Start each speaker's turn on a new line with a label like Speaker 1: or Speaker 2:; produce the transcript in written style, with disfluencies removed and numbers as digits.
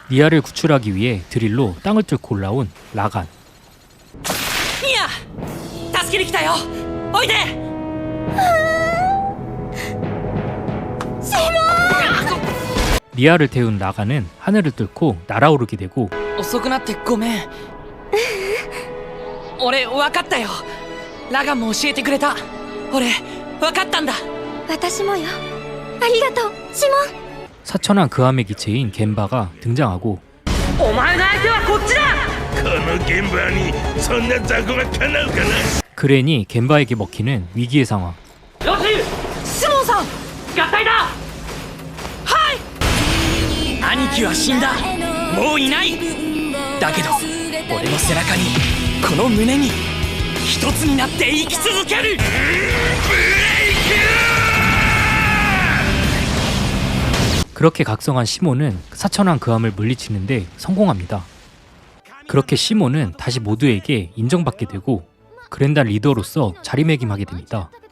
Speaker 1: 니아를 구출하기 위해 드릴로 땅을 뚫고 올라온 라간.
Speaker 2: ニア助けに来たよおいで
Speaker 1: 니아를 태운 라간은 하늘을 뚫고 날아오르게 되고
Speaker 2: 遅くなってごめん俺分かったよラガンも教えてくれた俺分かったんだ
Speaker 3: 私もよありがとうシモン
Speaker 1: 사천한 그함의 기체인 겐바가 등장하고
Speaker 2: お前の相手はこっちだ
Speaker 4: この現場にそんな雑魚が叶うかな。
Speaker 1: 그랜이 겐바에게 먹히는 위기의 상황.
Speaker 2: よしシモンさん合体だはい兄貴は死んだもういないだけど俺の背中にこの胸に一つになって生き続ける
Speaker 1: 그렇게 각성한 시몬은 사천한 그함을 물리치는데 성공합니다. 그렇게 시몬은 다시 모두에게 인정받게 되고 그랜단 리더로서 자리매김하게 됩니다.